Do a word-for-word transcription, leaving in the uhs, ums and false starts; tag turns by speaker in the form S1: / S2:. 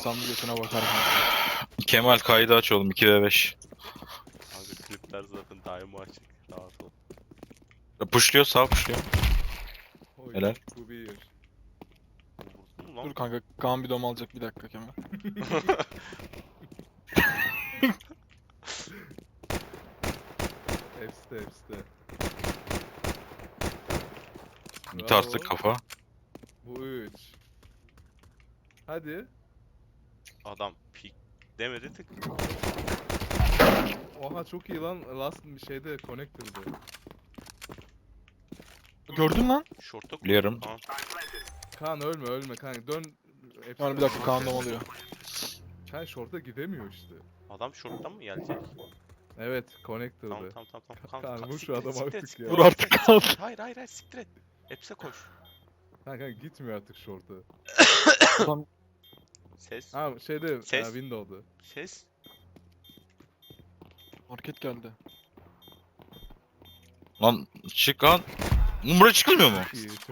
S1: atsam götüne bakar kanka.
S2: Kemal kaydı aç oğlum iki ve beş.
S3: Kanka klipler zaten daima açık. Rahat ol.
S2: Pushluyor sağ pushluyor.
S4: Oy,
S2: Helal.
S4: bu bir.
S3: Vurdun mu lan?
S1: Dur kanka Kaan bir dom alacak bir dakika Kemal.
S4: Hepsi de hepsi de.
S2: Bir
S4: Bravo.
S2: tarttık kafa.
S4: Bu üç. Hadi.
S3: Adam pik demedi tık.
S4: Oha çok iyi lan. Last bir şeyde connector'dı.
S1: Gördün lan.
S3: Şorta koy.
S2: Biliyorum.
S3: Kaan.
S4: Kaan ölme ölme kanka dön. Hepsi
S1: Yani bir
S4: de-
S1: dakika Kaan dom alıyor.
S4: Kaan short'a gidemiyor işte.
S3: Adam şorttan mı gelecek?
S4: Evet connector'dı.
S3: Tamam tamam tamam. tamam.
S4: Kaan,
S3: Kaan,
S4: vur şu
S3: siktir et,
S4: adamı
S3: siktir et,
S4: artık
S3: siktir
S4: ya.
S3: et,
S1: Vur artık
S3: siktir et,
S1: Kaan.
S3: siktir et. Hayır hayır hayır siktir et. Hepsi koş.
S4: Kanka gitmiyor artık short'a.
S1: Adam
S3: Ses.
S4: Ha şeyde
S3: Ses.
S4: e, window'da.
S3: Ses.
S1: market geldi.
S2: Lan çık lan. Oğlum buraya çıkılmıyor mu?
S4: İyi